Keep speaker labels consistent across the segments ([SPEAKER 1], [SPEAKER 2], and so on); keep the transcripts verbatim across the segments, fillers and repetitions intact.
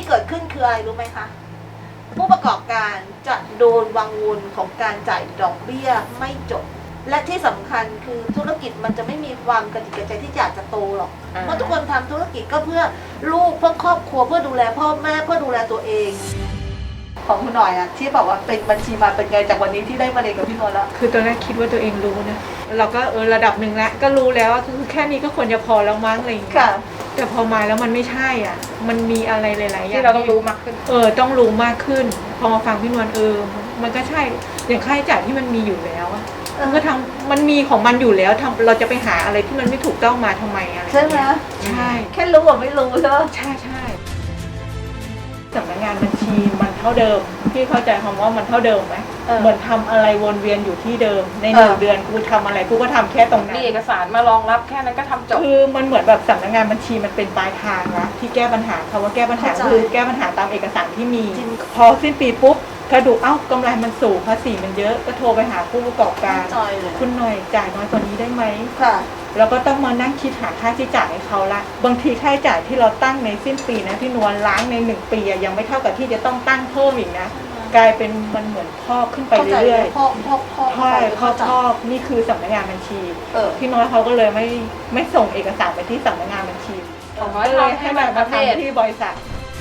[SPEAKER 1] เกิดขึ้นคืออะไรรู้ไหมคะผู้ประกอบการจะโดนวังวนของการจ่ายดอกเบี้ยไม่จบและที่สำคัญคือธุรกิจมันจะไม่มีความกระดิกกระใจที่อยากจะโตหรอกเพราะทุกคนทำธุรกิจก็เพื่อลูกเพื่อครอบครัวเพื่อดูแลพ่อแม่เพื่อดูแลตัวเองของคุณหน่อยอะที่บอกว่าเป็นบัญชีมาเป็นไงจากวันนี้ที่ได้มาเรียนกับพี่นนท์แล้ว
[SPEAKER 2] คือตอนแรกคิดว่าตัวเองรู้นะเราก็เออระดับหนึ่งแล้วก็รู้แล้วว่าคือแค่นี้ก็ควรจะพอแล้วมั้งอะไรอย่างเงี้ยแต่พอมาแล้วมันไม่ใช่อ่ะมันมีอะไรหลายๆอย่าง
[SPEAKER 3] ที่เราต้องรู้มากขึ้น
[SPEAKER 2] เออต้องรู้มากขึ้นพอมาฟังพี่นวลเออมันก็ใช่อย่างค่าใช้จ่ายที่มันมีอยู่แล้วอะมันก็ทำมันมีของมันอยู่แล้วทำเราจะไปหาอะไรที่มันไม่ถูกต้องมาทำไมอะไร
[SPEAKER 1] ใช่ไหม
[SPEAKER 2] ใช่
[SPEAKER 1] แค่รู้ว่าไม่รู้ใช่ไหม
[SPEAKER 2] ใช่ใช่สำนักงานบัญชีมันเท่าเดิมพี่เข้าใจคำว่ามันเท่าเดิมไหมเหมือนทำอะไรวนเวียนอยู่ที่เดิมในหนึ่งเดือนกูทำอะไรกูก็ทำแค่ตรงนั้น
[SPEAKER 3] มีเอกสารมารองรับแค่นั้นก็ทำจบ
[SPEAKER 2] คือมันเหมือนแบบสำนักงานบัญชีมันเป็นปลายทางนะที่แก้ปัญหาคำว่าแก้ปัญหาคือแก้ปัญหาตามเอกสารที่มีพอสิ้นปีปุ๊บกระดูกเอ้ากำไรมันสูงภาษีมันเยอะก็โทรไปหาผู้ประกอบการคุณหน่อยจ่ายน้อยกว่านี้ได้ไหม
[SPEAKER 1] ค่ะ
[SPEAKER 2] แล้วก็ต้องมานั่งคิดหาค่าใช้จ่ายให้เขาละบางทีค่าใช้จ่ายที่เราตั้งในสิ้นปีนะพี่นวลล้างในหนึ่งปียังไม่เท่ากับที่จะต้องตั้งเพิ่มอีกนะกลายเป็นมันเหมือนพอกขึ้นไปเรื่อย
[SPEAKER 1] ๆพอกพอกพอก
[SPEAKER 2] ใช่พอกพอกนี่คือสำนักงานบัญชีพี่น้อยเขาก็เลยไม่ไม่ส่งเอกสารไปที่สำนักงานบัญชี
[SPEAKER 3] ก็เลย
[SPEAKER 2] ให้มาทำที่บริษัท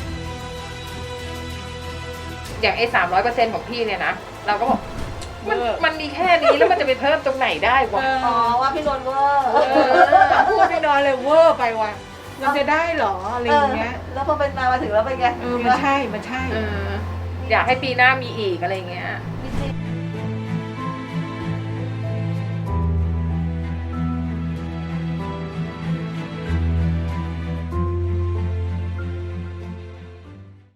[SPEAKER 3] อย่างไอ้สามร้อยเปอร์เซ็นต์ของพี่เนี่ยนะเราก็บอกมันมันมีแค่นี้แล้วมันจะไปเพิ่มตรงไหนได้วะ
[SPEAKER 1] อ๋อว่าพี่นนท์เวอร์
[SPEAKER 2] พูดพี่นอนเลยเวอร์ไปว่ะมันจะได้หรออะไรอย่างเงี้ย
[SPEAKER 1] แล้วพอเป็นมามาถึงแล้วเป็นไง
[SPEAKER 2] เออมันใช่มันใช่
[SPEAKER 3] อยากให้ปีหน้ามีอีกอะไรเงี้ย